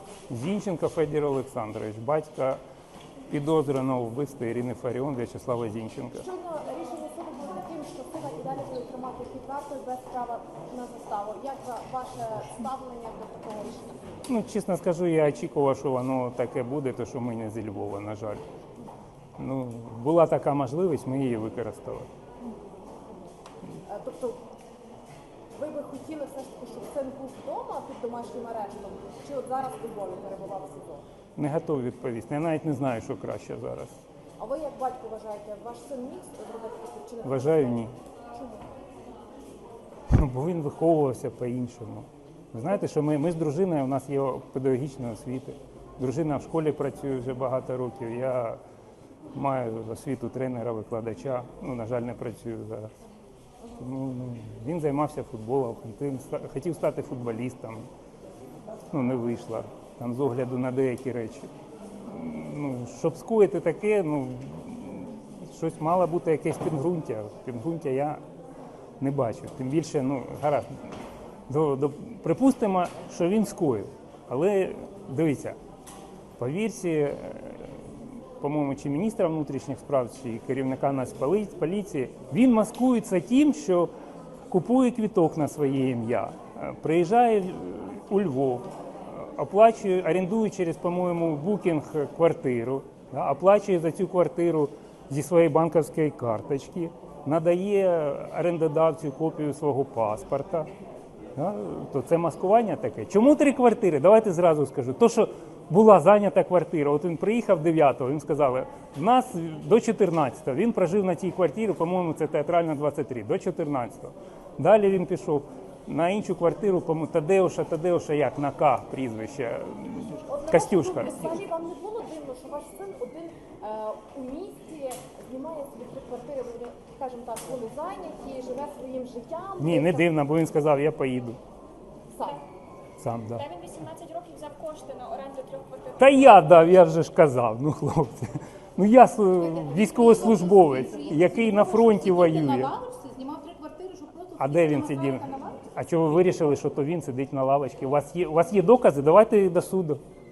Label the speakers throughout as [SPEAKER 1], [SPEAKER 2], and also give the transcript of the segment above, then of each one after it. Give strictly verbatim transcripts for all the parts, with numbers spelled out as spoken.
[SPEAKER 1] Зінченко Федір Олександрович, батька підозрюваного в вбивстві Ірини Фаріон В'ячеслава Зінченка.
[SPEAKER 2] Щойно рішення суду було таким, що сина і далі буде тримати під вартою без права на заставу. Як ваше ставлення до такого рішення?
[SPEAKER 1] Ну, чесно скажу, я очікував, що воно таке буде, то що ми не зі Львова, на жаль. Ну, була така можливість, ми її використали.
[SPEAKER 2] Тобто ви би хотіли все ж таки, щоб син був вдома під домашнім арештом, чи от зараз у Львові перебував в СІЗО?
[SPEAKER 1] Не готовий відповісти. Я навіть не знаю, що краще зараз.
[SPEAKER 2] А ви як батько вважаєте, ваш син міг зробити таке чи не?
[SPEAKER 1] Вважаю, ні.
[SPEAKER 2] Чому?
[SPEAKER 1] Бо він виховувався по-іншому. Ви знаєте, що ми, ми з дружиною, у нас є педагогічна освіта. Дружина в школі працює вже багато років. Я маю освіту тренера, викладача. Ну, на жаль, не працюю зараз. Ну, він займався футболом, хотів, хотів стати футболістом. Ну, не вийшло. Там з огляду на деякі речі. Ну, щоб скоїти таке, ну, щось мало бути якесь підґрунтя. Підґрунтя я не бачу. Тим більше, ну, гаразд, до, до, припустимо, що він скоїв. Але, дивіться, по вірсі, по-моєму, чи міністра внутрішніх справ, чи керівника Нацполіції, він маскується тим, що купує квиток на своє ім'я, приїжджає у Львов, оплачує, орендує через, по-моєму, букінг квартиру, да, оплачує за цю квартиру зі своєї банківської карточки, надає орендодавцю копію свого паспорта. Да, то це маскування таке. Чому три квартири? Давайте зразу скажу. То, що була зайнята квартира, от він приїхав дев'ятого, він сказав, в нас до чотирнадцятого, він прожив на цій квартирі, по-моєму, це Театральна двадцять три, до чотирнадцятого. Далі він пішов на іншу квартиру, по-моєму, Тадеуша, Тадеуша як, на К прізвище, Костюшка.
[SPEAKER 2] Взагалі вам не було дивно, що ваш син один е, у місті знімає собі три квартири, вони, скажімо так, вони зайняті, живе своїм життям?
[SPEAKER 1] Ні, не дивно, бо він сказав, я поїду.
[SPEAKER 2] Сам.
[SPEAKER 1] Сам, да.
[SPEAKER 3] Та він вісімнадцять років взяв кошти на оренду трьох квартир.
[SPEAKER 1] Та я дав, я вже ж казав, ну хлопці. Ну я військовослужбовець, який на фронті воює.
[SPEAKER 4] Знімав три квартири, щоб просто...
[SPEAKER 1] А де він сидів? А чого ви вирішили, що то він сидить на лавочці? У вас є, у вас є докази? Давайте до суду.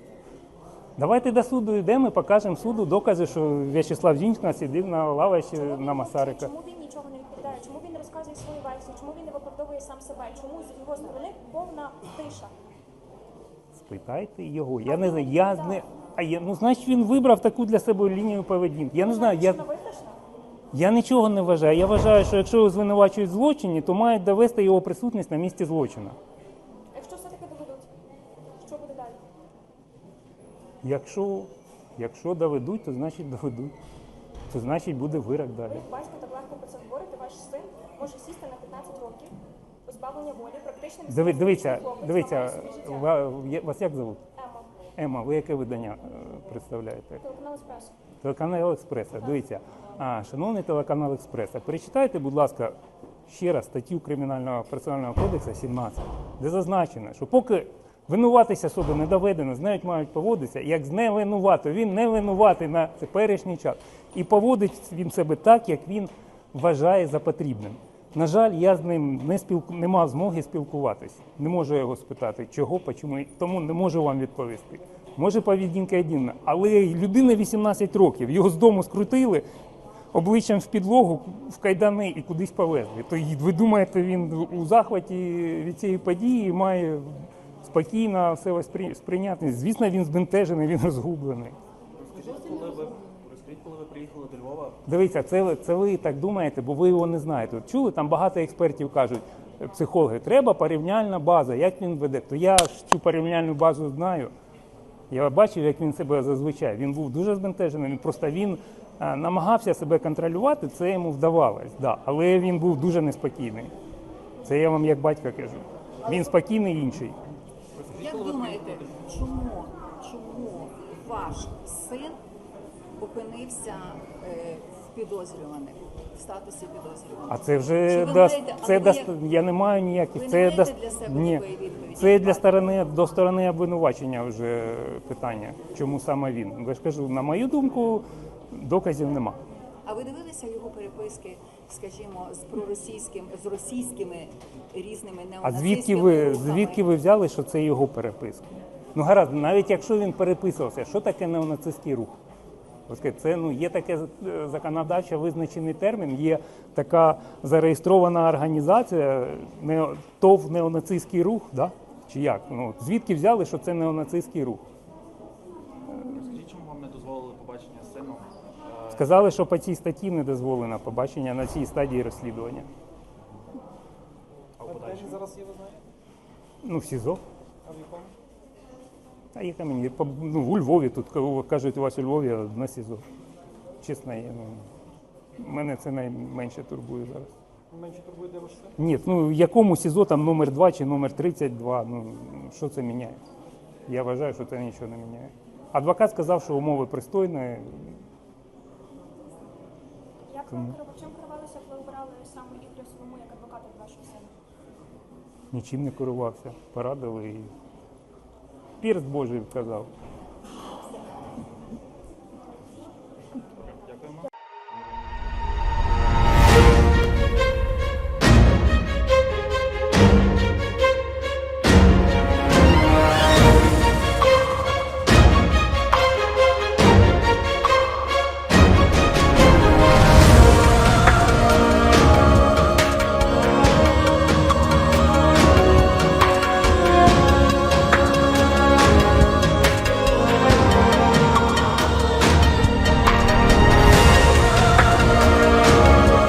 [SPEAKER 1] Давайте до суду йдемо і покажемо суду докази, що В'ячеслав Зінченко сидів на лавочці на Масарика.
[SPEAKER 3] Чому він нічого не відповідає? Чому він не розказує свою версію? Чому він не виправдовує сам себе? Чому з його сторони повна тиша?
[SPEAKER 1] Спитайте його. Я не знаю, я не... А я, ну, значить, він вибрав таку для себе лінію поведінки. Я не знаю, я... Я нічого не вважаю. Я вважаю, що якщо його звинувачують в злочині, то мають довести його присутність на місці злочину.
[SPEAKER 3] Якщо все-таки доведуть, що буде далі?
[SPEAKER 1] Якщо, якщо доведуть, то значить доведуть. То значить буде вирок далі.
[SPEAKER 3] Ви, батько, так легко про це говорите, ваш син може сісти на п'ятнадцять років, позбавлення волі, практично...
[SPEAKER 1] Диви, дивіться,
[SPEAKER 3] хлопець,
[SPEAKER 1] дивіться,
[SPEAKER 3] ламає собі життя.
[SPEAKER 1] ва- є- вас як зовут?
[SPEAKER 3] Ема,
[SPEAKER 1] Ема, ви яке видання е, представляєте?
[SPEAKER 3] телеканал «Еспресо».
[SPEAKER 1] Телеканал Експреса. Дивіться, а, шановний телеканал Експреса, перечитайте, будь ласка, ще раз статтю Кримінального процесуального кодексу сімнадцять, де зазначено, що поки винуватись особи не доведено, з нею мають поводитися, як з невинуватою. Він не винуватий на теперішній час. І поводить він себе так, як він вважає за потрібним. На жаль, я з ним не, спілку... не мав змоги спілкуватися. Не можу його спитати, чого, чому, тому не можу вам відповісти. Може, поведінка єдина, але людина вісімнадцять років, його з дому скрутили, обличчям в підлогу, в кайдани і кудись повезли. То ви думаєте, він у захваті від цієї події має спокійно все сприйняти? Звісно, він збентежений, він розгублений.
[SPEAKER 5] Розкажіть, коли ви, розкажіть, коли ви приїхали до Львова?
[SPEAKER 1] Дивіться, це, це ви так думаєте, бо ви його не знаєте. От чули, там багато експертів кажуть, психологи, треба порівняльна база, як він веде. То я ж цю порівняльну базу знаю. Я бачив, як він себе зазвичай. Він був дуже збентежений, він просто він а, намагався себе контролювати, це йому вдавалось, да. Але він був дуже неспокійний. Це я вам як батько кажу. Він спокійний інший.
[SPEAKER 4] Як думаєте, чому, чому ваш син опинився е, в підозрюваних, в статусі підозрюваних?
[SPEAKER 1] А це
[SPEAKER 4] Чи
[SPEAKER 1] вже
[SPEAKER 4] ви
[SPEAKER 1] дасть,
[SPEAKER 4] маєте-
[SPEAKER 1] це
[SPEAKER 4] або
[SPEAKER 1] дасть,
[SPEAKER 4] як-
[SPEAKER 1] я не маю ніяких.
[SPEAKER 4] Ви
[SPEAKER 1] Це
[SPEAKER 4] не маєте
[SPEAKER 1] дасть,
[SPEAKER 4] для себе
[SPEAKER 1] ні,
[SPEAKER 4] такої відповіді?
[SPEAKER 1] це для сторони, до сторони обвинувачення вже питання, чому саме він. Я ж кажу, на мою думку, доказів нема.
[SPEAKER 4] А ви дивилися його переписки, скажімо, з проросійським, з російськими різними
[SPEAKER 1] А
[SPEAKER 4] неонацистськими
[SPEAKER 1] звідки ви,
[SPEAKER 4] рухами?
[SPEAKER 1] звідки ви взяли, що це його переписка? Ну гаразд, навіть якщо він переписувався, що таке неонацистський рух? Ось скажіть, це ну, є таке е, законодавчо визначений термін, є така зареєстрована організація, не, ТОВ неонацистський рух, да? Чи як? Ну, звідки взяли, що це неонацистський рух?
[SPEAKER 5] Розкажіть, чому вам не дозволили побачення з сином? Е,
[SPEAKER 1] Сказали, що по цій статті не дозволено побачення на цій стадії розслідування.
[SPEAKER 5] А в подальшому?
[SPEAKER 6] Зараз є, ви знаєте?
[SPEAKER 1] Ну, в СІЗО.
[SPEAKER 6] А в якому?
[SPEAKER 1] А яка мені? По- Ну, у Львові, тут кого кажуть, у вас у Львові на СІЗО. Чесно, я, ну, мене це найменше турбує зараз.
[SPEAKER 6] Менше турбує, де ваш син?
[SPEAKER 1] Ні, ну якому СІЗО там номер два чи номер тридцять два, ну що це міняє? Я вважаю, що це нічого не міняє. Адвокат сказав, що умови пристойні.
[SPEAKER 3] Як ви керували, чим керувалися, коли обирали саме Ігоря Солому як адвоката для вашого сина?
[SPEAKER 1] Нічим не керувався. Порадили і пірс Божий вказав.